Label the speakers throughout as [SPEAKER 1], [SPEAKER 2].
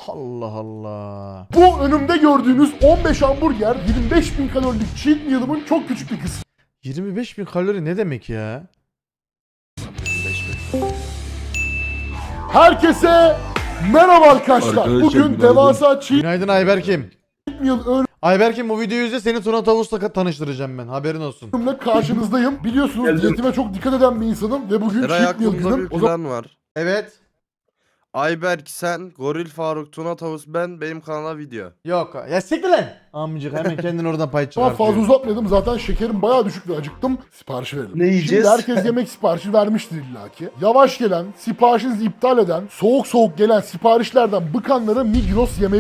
[SPEAKER 1] Allah Allah.
[SPEAKER 2] Bu önümde gördüğünüz 15 hamburger 25.000 kalorilik cheat meal'ımın çok küçük bir kısmı.
[SPEAKER 1] 25.000 kalori ne demek ya?
[SPEAKER 2] Herkese merhaba arkadaşlar.
[SPEAKER 3] Arkadaşlar,
[SPEAKER 2] Bugün
[SPEAKER 3] günaydın.
[SPEAKER 2] devasa cheat
[SPEAKER 1] Günaydın Ayberk'im.
[SPEAKER 2] meal
[SPEAKER 1] Ayberk'im bu videoyu izle, seni Tuna Tavus'la tanıştıracağım ben, haberin olsun.
[SPEAKER 2] ürünümle karşınızdayım. Biliyorsunuz
[SPEAKER 3] Geldim.
[SPEAKER 2] diyetime çok dikkat eden bir insanım ve bugün
[SPEAKER 4] Eray
[SPEAKER 2] cheat meal
[SPEAKER 4] aklımda
[SPEAKER 2] günüm.
[SPEAKER 4] bir
[SPEAKER 2] O zaman
[SPEAKER 4] plan var.
[SPEAKER 1] Evet.
[SPEAKER 4] Ayberk sen, Goril Faruk, Tuna Tavus ben, benim kanala video.
[SPEAKER 1] Yok. Ya siktir lan. Amcık hemen kendini oradan pay
[SPEAKER 2] daha
[SPEAKER 1] çıkartıyor.
[SPEAKER 2] fazla uzatmadım. Zaten şekerim bayağı düşük ve acıktım. Siparişi verelim.
[SPEAKER 3] Ne yiyeceğiz?
[SPEAKER 2] Şimdi herkes yemek siparişi vermiştir illaki. Yavaş gelen, siparişinizi iptal eden, soğuk soğuk gelen siparişlerden bıkanlara Migros yemeği...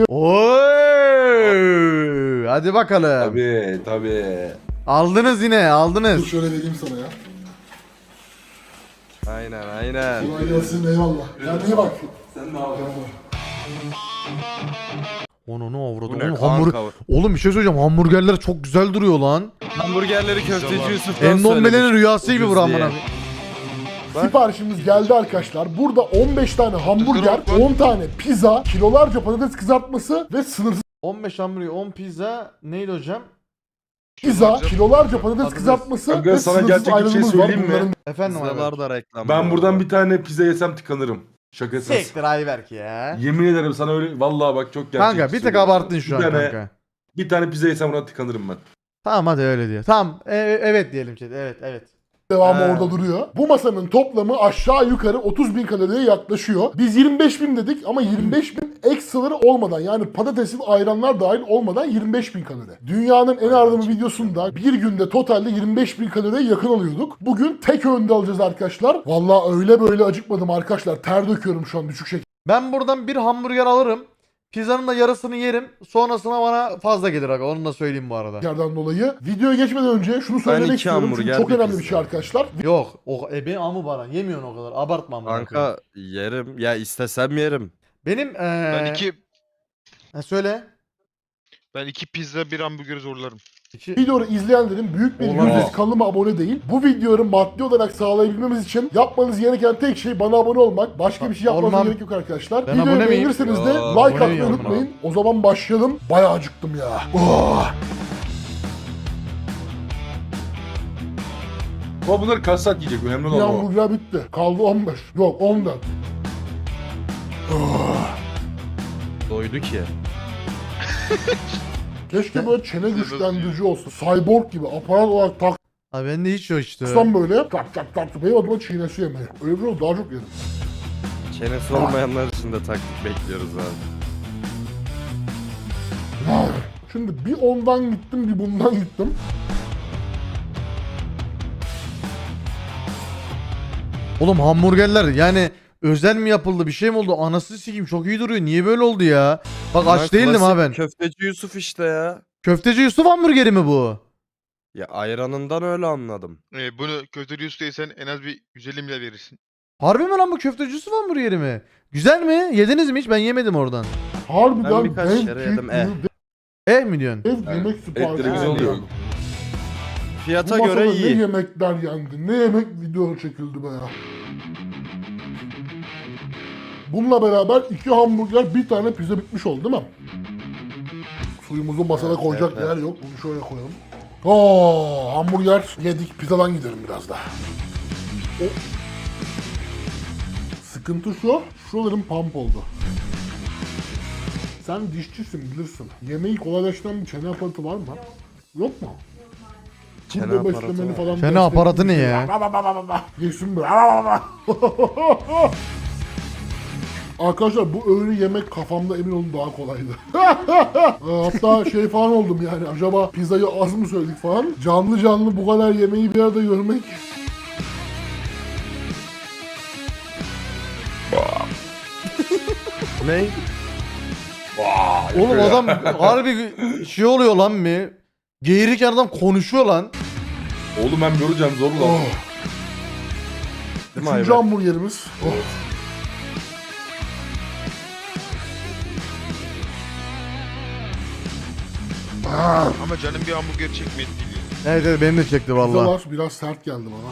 [SPEAKER 1] Oy! Hadi bakalım.
[SPEAKER 3] Tabii.
[SPEAKER 1] Aldınız yine,
[SPEAKER 2] Dur
[SPEAKER 1] aldınız.
[SPEAKER 2] şöyle vereyim sana ya.
[SPEAKER 4] Aynen.
[SPEAKER 2] Kolay gelsin, eyvallah. Kendine bak.
[SPEAKER 3] Sen ne yapıyorsun?
[SPEAKER 1] Onu ne avradı?
[SPEAKER 4] Bu ne
[SPEAKER 1] Oğlum,
[SPEAKER 4] kanka?
[SPEAKER 1] Oğlum bir şey söyleyeceğim. Hamburgerler çok güzel duruyor lan.
[SPEAKER 4] Hamburgerleri köfteci Yusuf'tan
[SPEAKER 1] Endombele'nin rüyası gibi
[SPEAKER 4] Ucuz
[SPEAKER 1] bu amına.
[SPEAKER 4] diye. Bak.
[SPEAKER 2] Siparişimiz geldi arkadaşlar. Burada 15 tane hamburger, 10 tane pizza, kilolarca patates kızartması ve sınırsız
[SPEAKER 1] 15 hamburger, 10 pizza. Neydi hocam?
[SPEAKER 2] pizza, kilolarca patates
[SPEAKER 1] Patates.
[SPEAKER 2] kızartması
[SPEAKER 3] Kanka,
[SPEAKER 2] ve
[SPEAKER 3] sana
[SPEAKER 2] sınırsız
[SPEAKER 3] gerçek bir şey
[SPEAKER 2] ayrılımız var.
[SPEAKER 3] söyleyeyim mi?
[SPEAKER 2] Bunların
[SPEAKER 1] Efendim Ayberk.
[SPEAKER 4] Pizzalar da reklam.
[SPEAKER 3] Ben buradan bir tane pizza yesem tıkanırım. Şakasız.
[SPEAKER 1] Siktir Ayberk ya.
[SPEAKER 3] Yemin ederim sana öyle vallahi bak çok gerçek.
[SPEAKER 1] Kanka bir tık abarttın şu an kanka.
[SPEAKER 3] Bir tane pizza yesem buna tıkanırım ben.
[SPEAKER 1] Tamam hadi öyle diye. Tamam evet diyelim chat. Evet.
[SPEAKER 2] devamı
[SPEAKER 1] Ha.
[SPEAKER 2] orada duruyor. Bu masanın toplamı aşağı yukarı 30.000 kaloriye yaklaşıyor. Biz 25.000 dedik ama 25.000 ekstraları olmadan, yani patatesin, ayranlar dahil olmadan 25.000 kalori. Dünyanın en ardımı videosunda bir günde totalde 25.000 kaloriye yakın alıyorduk. Bugün tek öğünde alacağız arkadaşlar. Vallahi öyle böyle acıkmadım arkadaşlar. Ter döküyorum şu an düşük
[SPEAKER 1] Ben buradan bir hamburger alırım. Pizzanın da yarısını yerim. Sonrasına bana fazla gelir aga. Onu da söyleyeyim bu arada.
[SPEAKER 2] şekerden dolayı. Videoya geçmeden önce şunu söylemek
[SPEAKER 4] iki
[SPEAKER 2] istiyorum. Çünkü
[SPEAKER 4] hamburger,
[SPEAKER 2] çok
[SPEAKER 4] bir
[SPEAKER 2] önemli bir
[SPEAKER 4] pizza.
[SPEAKER 2] şey arkadaşlar.
[SPEAKER 1] Yok. O ebe amı bana. Yemiyorsun o kadar. Abartma amına koyayım.
[SPEAKER 4] Kanka yerim. Ya istesem yerim.
[SPEAKER 1] Benim
[SPEAKER 5] Ben
[SPEAKER 1] söyle.
[SPEAKER 5] iki pizza bir hamburger zorlarım.
[SPEAKER 2] Videoyu izleyenlerin büyük bir
[SPEAKER 1] Olamaz.
[SPEAKER 2] yüzdesi kanalıma abone değil. Bu videoyu maddi olarak sağlayabilmemiz için yapmanız gereken tek şey bana abone olmak. Başka bir şey yapmanıza
[SPEAKER 1] Olmam.
[SPEAKER 2] gerek yok arkadaşlar.
[SPEAKER 1] Ben
[SPEAKER 2] Videoyu
[SPEAKER 1] abone miyim?
[SPEAKER 2] beğenirseniz de
[SPEAKER 4] Ya,
[SPEAKER 2] like
[SPEAKER 1] abone
[SPEAKER 2] atmayı
[SPEAKER 1] miyim
[SPEAKER 2] unutmayın. O zaman başlayalım. Bayağı acıktım ya. Oh.
[SPEAKER 3] Ama bunlar kaç saat yiyecek önemli
[SPEAKER 2] Bir
[SPEAKER 3] olan o.
[SPEAKER 2] hamburger bitti. Kaldı 15. Yok 14.
[SPEAKER 4] Doydu ki.
[SPEAKER 2] Keşke böyle çene güçlendirici olsun. Cyborg gibi aparat olarak
[SPEAKER 1] Abi bende hiç yok işte.
[SPEAKER 2] taksam böyle. Tak tak tak. Benim adıma çiğnesi yemeyi. Öyle bir şey daha çok yerim.
[SPEAKER 4] Çenesi olmayanlar için de taktik bekliyoruz abi.
[SPEAKER 2] Şimdi bir ondan gittim bir bundan gittim.
[SPEAKER 1] Oğlum hamburgerler yani özel mi yapıldı, bir şey mi oldu? Anasını sikeyim, çok iyi duruyor. Niye böyle oldu ya? Bak
[SPEAKER 4] Bunlar
[SPEAKER 1] aç değildim
[SPEAKER 4] klasik
[SPEAKER 1] ha ben.
[SPEAKER 4] Köfteci Yusuf işte ya.
[SPEAKER 1] Köfteci Yusuf hamburgeri mi bu?
[SPEAKER 4] Ya ayranından öyle anladım.
[SPEAKER 5] Bunu köfteci ustaysan en az bir 150 milyar verirsin.
[SPEAKER 1] Harbi mi lan bu köfteci Yusuf hamburgeri mi? Güzel mi? Yediniz mi hiç? Ben yemedim oradan.
[SPEAKER 2] Harbiden
[SPEAKER 4] Ben birkaç
[SPEAKER 2] dev
[SPEAKER 4] kere
[SPEAKER 2] cheat
[SPEAKER 4] yedim,
[SPEAKER 2] meal,
[SPEAKER 1] Mi diyorsun?
[SPEAKER 2] dev yemek siparişi.
[SPEAKER 3] Etleri güzel oluyor.
[SPEAKER 4] Fiyata
[SPEAKER 2] Bu
[SPEAKER 4] göre
[SPEAKER 2] masada ne
[SPEAKER 4] iyi.
[SPEAKER 2] yemekler yendi, ne yemek video çekildi be ya. Bununla beraber 2 hamburger, bir tane pizza bitmiş oldu değil mi? Suyumuzu masada
[SPEAKER 4] Evet,
[SPEAKER 2] koyacak
[SPEAKER 4] evet.
[SPEAKER 2] yer yok. Bunu şöyle koyalım. Oo, hamburger yedik. Pizzadan gidelim biraz daha. O... Sıkıntı şu, şuralarım pump oldu. Sen dişçisin, bilirsin. Yemeği kolaylaştıran bir çene aparatı var mı? Yok mu?
[SPEAKER 4] Çene
[SPEAKER 2] Turbo
[SPEAKER 4] aparatı
[SPEAKER 2] beslemeli
[SPEAKER 4] var.
[SPEAKER 2] falan.
[SPEAKER 1] Çene
[SPEAKER 2] destekli
[SPEAKER 1] aparatı
[SPEAKER 2] bir
[SPEAKER 1] ne
[SPEAKER 2] şey.
[SPEAKER 1] ya?
[SPEAKER 2] Geçsin böyle. Arkadaşlar bu öğünü yemek kafamda emin olun daha kolaydı. Hatta şey falan oldum yani, acaba pizzayı az mı söyledik falan. Canlı canlı bu kadar yemeği bir arada görmek.
[SPEAKER 4] Ne?
[SPEAKER 1] Oğlum adam harbi şey oluyor lan mı? Geğirirken adam konuşuyor lan.
[SPEAKER 3] Oğlum ben göreceğim zorla.
[SPEAKER 2] Oh.
[SPEAKER 4] Değil mi
[SPEAKER 2] Üçüncü
[SPEAKER 4] Ayberk?
[SPEAKER 2] hamburgerimiz. Oh.
[SPEAKER 5] Ama canım bir hamburger çekmedi değil.
[SPEAKER 1] Evet benim de çekti vallahi.
[SPEAKER 2] Pizzalar biraz sert geldi bana.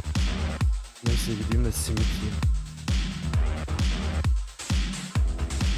[SPEAKER 4] Neyse gideyim de simit yiyeyim.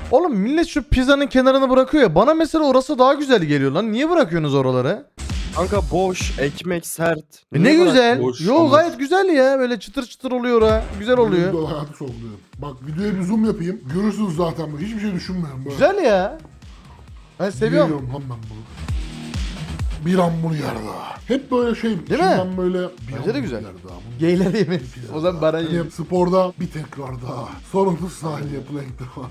[SPEAKER 1] Oğlum millet şu pizzanın kenarını bırakıyor ya. Bana mesela orası daha güzel geliyor lan. Niye bırakıyorsunuz oraları?
[SPEAKER 4] Kanka boş, ekmek sert.
[SPEAKER 1] Ne
[SPEAKER 4] Niye
[SPEAKER 1] güzel.
[SPEAKER 3] Boş,
[SPEAKER 1] Yo
[SPEAKER 3] olmaz.
[SPEAKER 1] gayet güzel ya. Böyle çıtır çıtır oluyor ha. Güzel oluyor.
[SPEAKER 2] Video hayatı sorguluyorum. Bak videoya bir zoom yapayım. Görürsünüz zaten bu. Hiçbir şey düşünmüyorum. Böyle.
[SPEAKER 1] Güzel ya. Ben seviyorum.
[SPEAKER 2] Yiyorum lan ben bunu. Bir hamburger daha. Hep böyle şey.
[SPEAKER 1] Değil mi?
[SPEAKER 2] Ben böyle bir
[SPEAKER 1] Bence de güzel.
[SPEAKER 2] hamburger daha. Bunu
[SPEAKER 1] Geyler yemek.
[SPEAKER 2] pizza
[SPEAKER 1] O zaman
[SPEAKER 2] daha.
[SPEAKER 1] bana yiyin.
[SPEAKER 2] Hani sporda bir tekrar daha. Sorunsuz sahil yapılan ilk defa.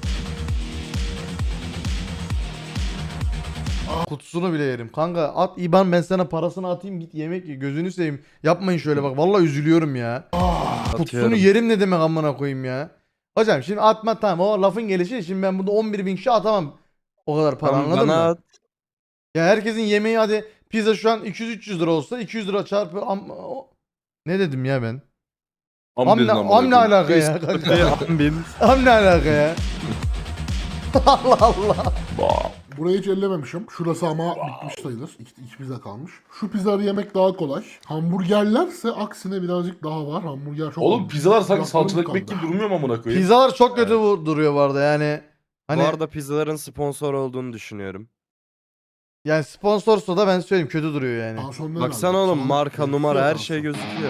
[SPEAKER 1] Kutusunu bile yerim. Kanka at IBAN, ben sana parasını atayım, git yemek ye. Gözünü seveyim. Yapmayın şöyle bak. Vallahi üzülüyorum ya. Kutusunu
[SPEAKER 4] Atıyorum.
[SPEAKER 1] yerim ne demek amına koyayım ya. Hocam şimdi atma tamam, o lafın gelişi. Şimdi ben burada 11.000 kişi atamam. O kadar para,
[SPEAKER 4] Tamam,
[SPEAKER 1] anladın
[SPEAKER 4] bana
[SPEAKER 1] mı?
[SPEAKER 4] at.
[SPEAKER 1] Ya herkesin yemeği, hadi pizza şu an 200-300 lira olsa 200 lira çarpı ne dedim ya ben? Am ne, am ne alaka ya kanka? Am ne alaka ya? Allah Allah.
[SPEAKER 2] Burayı hiç ellememişim. Şurası ama bitmiş sayılır. İki pizza kalmış. Şu pizzaları yemek daha kolay. Hamburgerlerse aksine birazcık daha var. Hamburger çok...
[SPEAKER 3] Oğlum pizzalar sanki
[SPEAKER 2] Kulaklarım
[SPEAKER 3] salçalı ekmek
[SPEAKER 2] kaldı.
[SPEAKER 3] gibi durmuyor mu amına koyayım?
[SPEAKER 1] Pizzalar çok kötü duruyor bu arada yani. Hani
[SPEAKER 4] Bu arada pizzaların sponsor olduğunu düşünüyorum.
[SPEAKER 1] yani sponsorsa da ben söyleyeyim kötü duruyor yani.
[SPEAKER 2] Tansiyonları
[SPEAKER 4] Baksana
[SPEAKER 2] nerede?
[SPEAKER 4] oğlum,
[SPEAKER 2] Sağlık-
[SPEAKER 4] marka, numara her şey
[SPEAKER 2] tansiyon.
[SPEAKER 4] gözüküyor.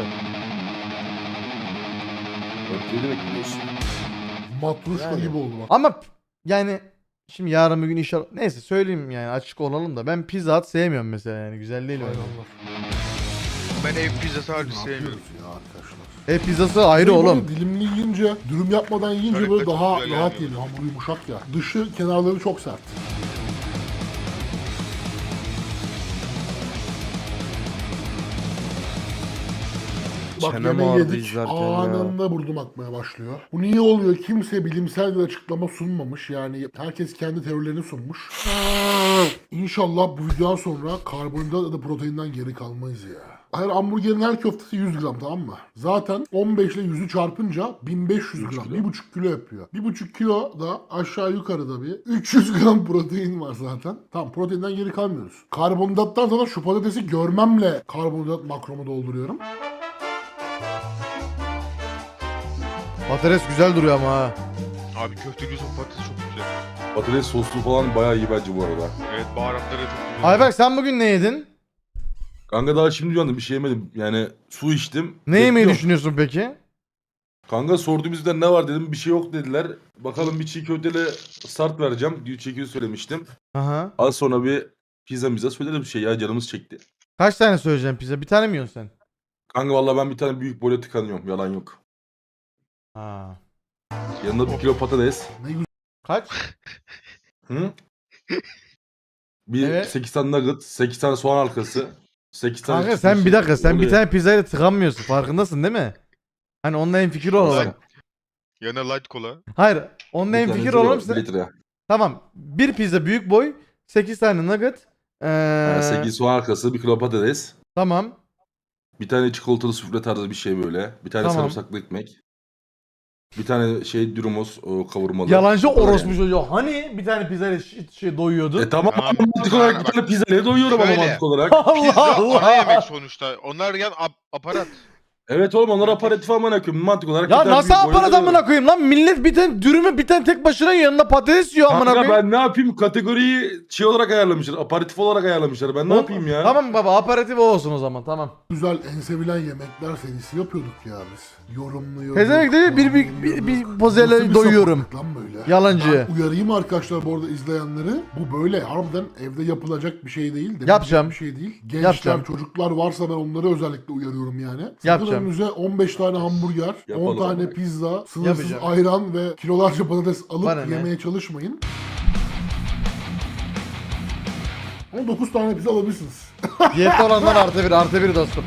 [SPEAKER 3] Ne demek biliyorsun?
[SPEAKER 2] Matruşka
[SPEAKER 1] Yani.
[SPEAKER 2] gibi oldu bak.
[SPEAKER 1] Ama yani şimdi yarın bir gün inşallah, neyse söyleyeyim yani, açık olalım da ben Pizza Hut sevmiyorum mesela, yani güzel değil öyle.
[SPEAKER 5] Ben ev pizzası harbi
[SPEAKER 2] Ne
[SPEAKER 5] sevmiyorum.
[SPEAKER 2] yapıyoruz ya arkadaşlar?
[SPEAKER 1] Ev pizzası ayrı
[SPEAKER 2] Böyle
[SPEAKER 1] oğlum.
[SPEAKER 2] Dilimli yiyince, dürüm yapmadan yiyince
[SPEAKER 5] Şöyle
[SPEAKER 2] böyle
[SPEAKER 5] çok
[SPEAKER 2] daha
[SPEAKER 5] güzel
[SPEAKER 2] rahat
[SPEAKER 5] yani.
[SPEAKER 2] yeniyor. Hamur yumuşak ya. Dışı, kenarları çok sert. Bak
[SPEAKER 4] Çenem
[SPEAKER 2] yemeği
[SPEAKER 4] ağrıdı
[SPEAKER 2] yedik,
[SPEAKER 4] izlerken ya.
[SPEAKER 2] anında burnum akmaya başlıyor. Bu niye oluyor? Kimse bilimsel bir açıklama sunmamış. Yani herkes kendi teorilerini sunmuş. İnşallah bu videodan sonra karbonhidrat ya da proteinden geri kalmayız ya. Hayır, hamburgerin her köftesi 100 gram, tamam mı? Zaten 15 ile 100'ü çarpınca 1500 gram. 1,5 kilo yapıyor. 1,5 kilo da aşağı yukarıda bir 300 gram protein var zaten. Tamam, proteinden geri kalmıyoruz. Karbonhidrattan sonra şu patatesi görmemle karbonhidrat makromu dolduruyorum.
[SPEAKER 1] Patates güzel duruyor ama ha.
[SPEAKER 5] Abi köfte gözü patates çok güzel.
[SPEAKER 3] Patates soslu falan bayağı iyi bence bu arada.
[SPEAKER 5] Evet, baharatları da çok güzel.
[SPEAKER 1] Ayberk sen bugün ne yedin?
[SPEAKER 3] Kanka daha şimdi uyandım, bir şey yemedim. Yani su içtim.
[SPEAKER 1] Ne yemeyi
[SPEAKER 3] Bekliyorum.
[SPEAKER 1] düşünüyorsun peki?
[SPEAKER 3] Kanka sordu bizden ne var dedim, bir şey yok dediler. Bakalım bir çiğ köfteli start vereceğim. Çiğ köfte söylemiştim.
[SPEAKER 1] Aha.
[SPEAKER 3] Az sonra bir pizza söylerim, bir şey ya, canımız çekti.
[SPEAKER 1] Kaç tane söyleyeceğim pizza? Bir tane mi yiyorsun sen?
[SPEAKER 3] Kanka vallahi ben bir tane büyük boyla tıkanıyorum, yalan yok.
[SPEAKER 1] Ha.
[SPEAKER 3] Yanında 1 kilo patates.
[SPEAKER 2] Ne güzel.
[SPEAKER 1] Kaç?
[SPEAKER 3] Hı? Bir
[SPEAKER 1] Evet.
[SPEAKER 3] 8 tane nugget, 8 tane soğan halkası, 8 tane...
[SPEAKER 1] Kanka sen bir dakika, sen bir
[SPEAKER 3] Oluyor.
[SPEAKER 1] tane pizzayla tıkanmıyorsun, farkındasın değil mi? Hani onunla en fikir olalım.
[SPEAKER 5] Yanına light kola.
[SPEAKER 1] Hayır, onunla
[SPEAKER 3] Bir
[SPEAKER 1] en
[SPEAKER 3] tane
[SPEAKER 1] fikir
[SPEAKER 3] zero,
[SPEAKER 1] olalım.
[SPEAKER 3] 1 litre.
[SPEAKER 1] Tamam. Bir pizza büyük boy, 8 tane nugget.
[SPEAKER 3] Yani 8 soğan halkası, 1 kilo patates,
[SPEAKER 1] Tamam.
[SPEAKER 3] bir tane çikolatalı sufle tarzı bir şey böyle, bir tane
[SPEAKER 1] Tamam.
[SPEAKER 3] sarımsaklı ekmek, bir tane şey dürümos kavurmalı.
[SPEAKER 1] Yalancı
[SPEAKER 3] Bu kadar
[SPEAKER 1] orospu
[SPEAKER 3] yani.
[SPEAKER 1] çocuğu. Hani bir tane pizzayla doyuyordu.
[SPEAKER 3] Tamam
[SPEAKER 5] Abi,
[SPEAKER 3] mantık olarak bir tane pizza ne doyuyorum ama
[SPEAKER 5] Şöyle.
[SPEAKER 3] mantık olarak.
[SPEAKER 5] Pizza
[SPEAKER 1] Allah
[SPEAKER 5] ana yemek
[SPEAKER 1] Allah.
[SPEAKER 5] sonuçta. Onlar yan aparat.
[SPEAKER 3] Evet oğlum, onlar aparatif amına koyayım, mantık olarak.
[SPEAKER 1] Ya
[SPEAKER 3] bir tane
[SPEAKER 1] nasıl
[SPEAKER 3] büyük boyla
[SPEAKER 1] aparat
[SPEAKER 3] doyuyorum.
[SPEAKER 1] amına koyayım lan? Millet bir tane dürümü bir tane tek başına yanına patates yiyor amına
[SPEAKER 3] Kanka
[SPEAKER 1] koyayım.
[SPEAKER 3] ben ne yapayım, kategoriyi şey olarak ayarlamışlar, aparatif olarak ayarlamışlar, ben ne
[SPEAKER 1] Oğlum,
[SPEAKER 3] yapayım ya?
[SPEAKER 1] Tamam baba, aparatif o olsun o zaman, tamam.
[SPEAKER 2] Güzel en sevilen yemekler serisi yapıyorduk ya biz. Yorumluyorduk.
[SPEAKER 1] Pezevenk değil, bir pozele
[SPEAKER 2] Nasıl bir
[SPEAKER 1] doyuyorum.
[SPEAKER 2] sapıklık lan böyle?
[SPEAKER 1] Yalancı.
[SPEAKER 2] Ben uyarayım arkadaşlar bu arada izleyenleri. Bu böyle harbiden evde yapılacak bir şey değil. Demeyecek
[SPEAKER 1] Yapacağım.
[SPEAKER 2] Bir şey değil. Gençler,
[SPEAKER 1] Yapacağım.
[SPEAKER 2] çocuklar varsa ben onları özellikle uyarıyorum yani. Sakın
[SPEAKER 1] Yapacağım.
[SPEAKER 2] önünüze 15 tane hamburger, 10
[SPEAKER 3] Yapalım
[SPEAKER 2] tane
[SPEAKER 3] ama.
[SPEAKER 2] pizza, sınırsız
[SPEAKER 1] Yapacağım.
[SPEAKER 2] ayran ve kilolarca patates alıp
[SPEAKER 1] Bana ne?
[SPEAKER 2] yemeye çalışmayın. Ama 9 tane pizza alabilirsiniz.
[SPEAKER 1] Diyette olanlar artı bir dostum.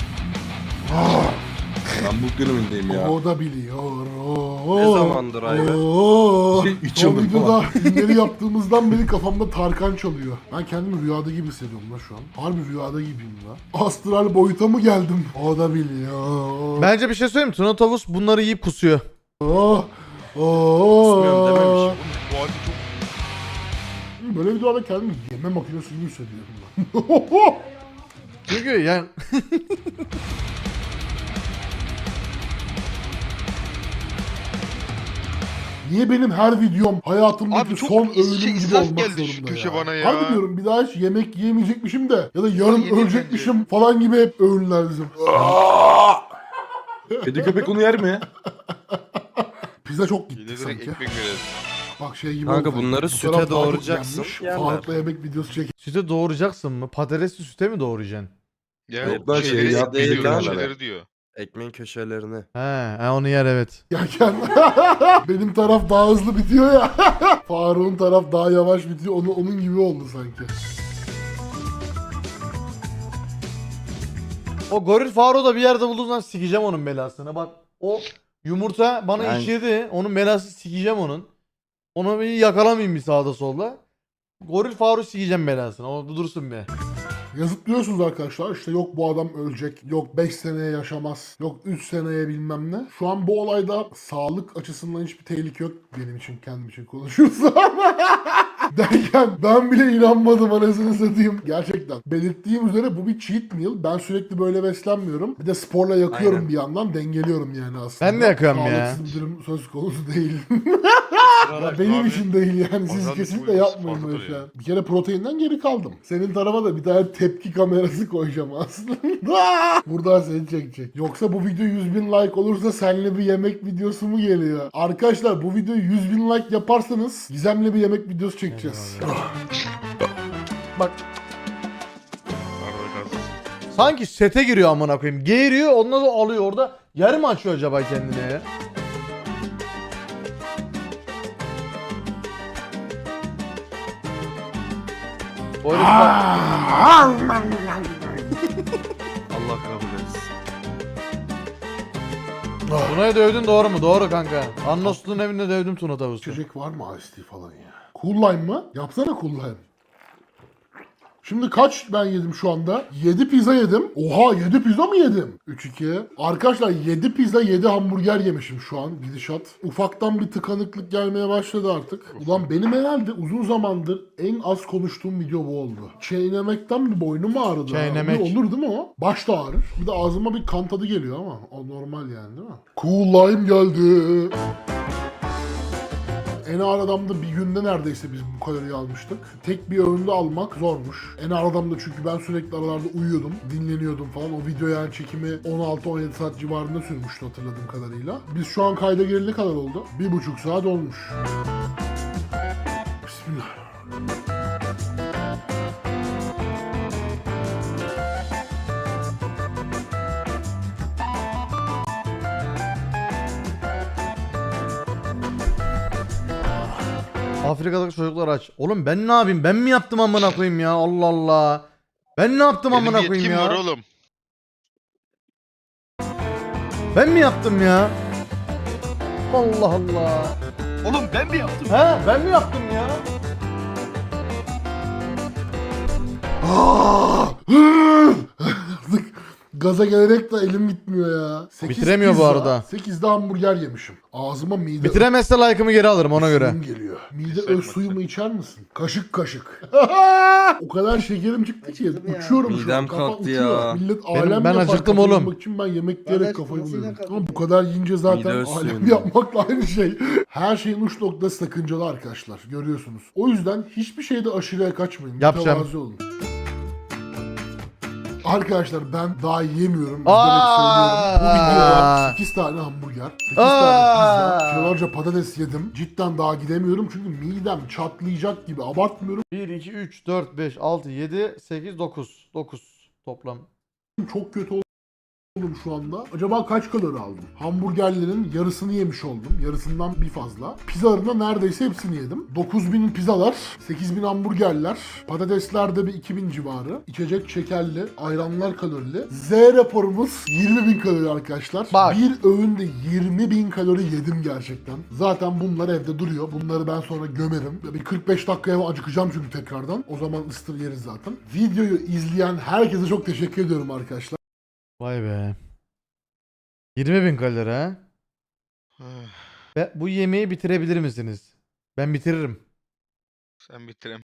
[SPEAKER 3] Ben bu dönemindeyim ya.
[SPEAKER 2] O da biliyor.
[SPEAKER 4] Ne zamandır Ayber?
[SPEAKER 3] Üç
[SPEAKER 2] Son
[SPEAKER 3] yıldır
[SPEAKER 2] videoda filmleri yaptığımızdan beri kafamda Tarkan çalıyor. Ben kendimi rüyada gibi hissediyorum lan şu an. Harbi rüyada gibiyim lan. Astral boyuta mı geldim? O da biliyor.
[SPEAKER 1] Bence bir şey söyleyeyim mi? Tuna Tavus bunları yiyip kusuyor.
[SPEAKER 2] Oh,
[SPEAKER 4] Kusmuyorum dememiş.
[SPEAKER 5] Bu halde çok...
[SPEAKER 2] Böyle videolarda kendimi yeme makinesi gibi hissediyorum ben.
[SPEAKER 1] Çünkü yani...
[SPEAKER 2] Niye benim her videom hayatımdaki
[SPEAKER 5] Abi çok
[SPEAKER 2] son öğünüm gibi
[SPEAKER 5] israf
[SPEAKER 2] olmak
[SPEAKER 5] geldi şu
[SPEAKER 2] zorunda
[SPEAKER 5] köşe
[SPEAKER 2] ya?
[SPEAKER 5] bana ya.
[SPEAKER 2] Harbi diyorum bir daha hiç yemek yiyemeyecekmişim de ya da yarın
[SPEAKER 5] Yedim
[SPEAKER 2] ölecekmişim falan gibi hep öğünler bizim.
[SPEAKER 3] Kedi köpek onu yer mi?
[SPEAKER 2] Pizza çok gitti
[SPEAKER 5] Yine direkt
[SPEAKER 2] sanki.
[SPEAKER 5] ekmek veririz.
[SPEAKER 2] Bak şey gibi
[SPEAKER 4] Kanka
[SPEAKER 2] oldu.
[SPEAKER 4] bunları
[SPEAKER 2] Bu
[SPEAKER 4] süte
[SPEAKER 2] taraf daha çok
[SPEAKER 4] doğrayacaksın,
[SPEAKER 2] yenmiş.
[SPEAKER 4] yerler.
[SPEAKER 2] Faruk'la yemek videosu çek.
[SPEAKER 1] Süte doğuracaksın mı? Patatesli süte mi doğrayacaksın?
[SPEAKER 5] Ya
[SPEAKER 3] Yok lan,
[SPEAKER 5] şeyleri
[SPEAKER 3] şey,
[SPEAKER 5] ekmeği
[SPEAKER 4] değil
[SPEAKER 5] diyor,
[SPEAKER 4] lan.
[SPEAKER 5] şeyleri diyor.
[SPEAKER 4] Ekmeğin köşelerini.
[SPEAKER 1] He, onu yer evet.
[SPEAKER 2] Yerken benim taraf daha hızlı bitiyor ya. Faruk'un taraf daha yavaş bitiyor. Onun gibi oldu sanki.
[SPEAKER 1] O goril Faro da bir yerde bulduğundan sikeceğim onun belasını. Bak o yumurta bana
[SPEAKER 4] Yani-
[SPEAKER 1] işledi. Onun belası sikeceğim onun. Onu bir yakalamayayım bir sağda solda. Goril Faro sikeceğim belasını. O dursun be.
[SPEAKER 2] Yazıklıyorsunuz arkadaşlar. İşte yok bu adam ölecek. Yok 5 seneye yaşamaz. Yok 3 seneye bilmem ne. Şu an bu olayda sağlık açısından hiçbir tehlike yok. Benim için kendim için konuşursam. Derken ben bile inanmadım anasını satayım. Gerçekten. Belirttiğim üzere bu bir cheat meal. Ben sürekli böyle beslenmiyorum. Bir de sporla yakıyorum
[SPEAKER 4] Aynen.
[SPEAKER 2] bir yandan. Dengeliyorum yani aslında.
[SPEAKER 1] Ben de yakıyorum ya.
[SPEAKER 2] Sağlıksız bir durum söz konusu değil.
[SPEAKER 4] Sıralar-
[SPEAKER 2] Benim
[SPEAKER 5] Abi,
[SPEAKER 2] için değil yani. Siz
[SPEAKER 5] organik
[SPEAKER 2] kesinlikle
[SPEAKER 5] uygun
[SPEAKER 2] yapmayın
[SPEAKER 5] sporda
[SPEAKER 2] böyle şey.
[SPEAKER 5] duruyor.
[SPEAKER 2] Bir kere proteinden geri kaldım. Senin tarafa da bir tane tepki kamerası koyacağım aslında. Buradan seni çekecek. Yoksa bu video 100.000 like olursa senle bir yemek videosu mu geliyor? Arkadaşlar bu videoyu 100.000 like yaparsanız Gizem'le bir yemek videosu çekeceğiz.
[SPEAKER 1] Bak
[SPEAKER 5] Harbi gaz.
[SPEAKER 1] sanki sete giriyor amına koyayım. Geğiriyor ondan sonra alıyor orada. Yer mi açıyor acaba kendine ya? Öyle bir bak-
[SPEAKER 4] Allah kabul etsin.
[SPEAKER 1] Tuna'yı dövdün doğru mu? Doğru kanka. Annoslu'nun evinde dövdüm Tuna tavusu.
[SPEAKER 2] İçecek var mı Ice Tea falan ya? Cool Lime mı? Yapsana Cool Lime. Şimdi kaç ben yedim şu anda? 7 pizza yedim. Oha 7 pizza mı yedim? 3-2. Arkadaşlar 7 pizza 7 hamburger yemişim şu an gidişat. Ufaktan bir tıkanıklık gelmeye başladı artık. Ulan benim herhalde uzun zamandır en az konuştuğum video bu oldu. Çiğnemekten bir boynum ağrıdı.
[SPEAKER 1] Çiğnemek.
[SPEAKER 2] Olur değil mi o? Baş da ağrır. Bir de ağzıma bir kan tadı geliyor ama o normal yani değil mi? Cool Lime geldi. En ağır adamda bir günde neredeyse biz bu kaloriyi almıştık. Tek bir öğünde almak zormuş. En ağır adamda çünkü ben sürekli aralarda uyuyordum, dinleniyordum falan. O video yani çekimi 16-17 saat civarında sürmüştü hatırladığım kadarıyla. Biz şu an kayda gelene kadar oldu. 1,5 saat olmuş. Bismillah.
[SPEAKER 1] Afrika'daki çocuklar aç. Oğlum ben ne yapayım? Ben mi yaptım amına koyayım ya? Allah Allah. Ben ne yaptım
[SPEAKER 5] Benim
[SPEAKER 1] amına
[SPEAKER 5] bir
[SPEAKER 1] koyayım
[SPEAKER 5] yetkim var
[SPEAKER 1] ya?
[SPEAKER 5] oğlum.
[SPEAKER 1] Ben mi yaptım ya? Allah Allah.
[SPEAKER 5] Oğlum ben mi yaptım?
[SPEAKER 1] He ben mi yaptım ya?
[SPEAKER 2] Artık gaza gelerek de elim gitmiyor ya.
[SPEAKER 1] Bitiremiyor bu arada.
[SPEAKER 2] 8'de hamburger yemişim. Ağzıma mide
[SPEAKER 1] Bitiremezse like'ımı geri alırım ona göre.
[SPEAKER 2] suyum geliyor. Mide
[SPEAKER 5] Keser
[SPEAKER 2] öz suyumu içer misin? Kaşık kaşık. O kadar şekerim çıktı ki uçuyorum şu an.
[SPEAKER 4] Midem
[SPEAKER 2] Kafa
[SPEAKER 4] kalktı
[SPEAKER 2] uçuyor.
[SPEAKER 4] ya.
[SPEAKER 2] Millet
[SPEAKER 1] Benim-
[SPEAKER 2] alem
[SPEAKER 1] ben
[SPEAKER 2] yapar
[SPEAKER 1] acıktım
[SPEAKER 2] kafayı
[SPEAKER 1] oğlum.
[SPEAKER 2] yemek için ben yemek diyerek
[SPEAKER 6] Kardeş,
[SPEAKER 2] kafayı
[SPEAKER 6] kafasıyla
[SPEAKER 2] buluyorum.
[SPEAKER 6] kalktı.
[SPEAKER 2] Ama bu kadar yiyince zaten
[SPEAKER 4] Mide öz
[SPEAKER 2] alem
[SPEAKER 4] suyunda.
[SPEAKER 2] yapmakla aynı şey. Her şeyin uç noktası sakıncalı arkadaşlar. Görüyorsunuz. O yüzden hiçbir şeyde aşırıya kaçmayın.
[SPEAKER 1] Yapacağım.
[SPEAKER 2] Mütevazi olun. Arkadaşlar ben daha yiyemiyorum.
[SPEAKER 1] Aa!
[SPEAKER 2] Bu videoda 8 tane hamburger, 8 tane pizza, kilolarca patates yedim. Cidden daha gidemiyorum çünkü midem çatlayacak gibi. Abartmıyorum.
[SPEAKER 1] 1, 2, 3, 4, 5, 6, 7, 8, 9. 9 toplam.
[SPEAKER 2] Çok kötü oldum şu anda. Acaba kaç kalori aldım? Hamburgerlerin yarısını yemiş oldum. Yarısından bir fazla. Pizzaların da neredeyse hepsini yedim. 9.000 pizzalar, 8.000 hamburgerler, patatesler de bir 2.000 civarı. İçecek şekerli, ayranlar kalorili. Z raporumuz 20.000 kalori arkadaşlar.
[SPEAKER 1] Bak.
[SPEAKER 2] Bir öğünde 20.000 kalori yedim gerçekten. Zaten bunlar evde duruyor. Bunları ben sonra gömerim. Bir 45 dakikaya acıkacağım çünkü tekrardan. O zaman ıstır yeriz zaten. Videoyu izleyen herkese çok teşekkür ediyorum arkadaşlar.
[SPEAKER 1] Vay be. 20.000 kalori ha? Bu yemeği bitirebilir misiniz? Ben bitiririm.
[SPEAKER 5] Sen bitirem.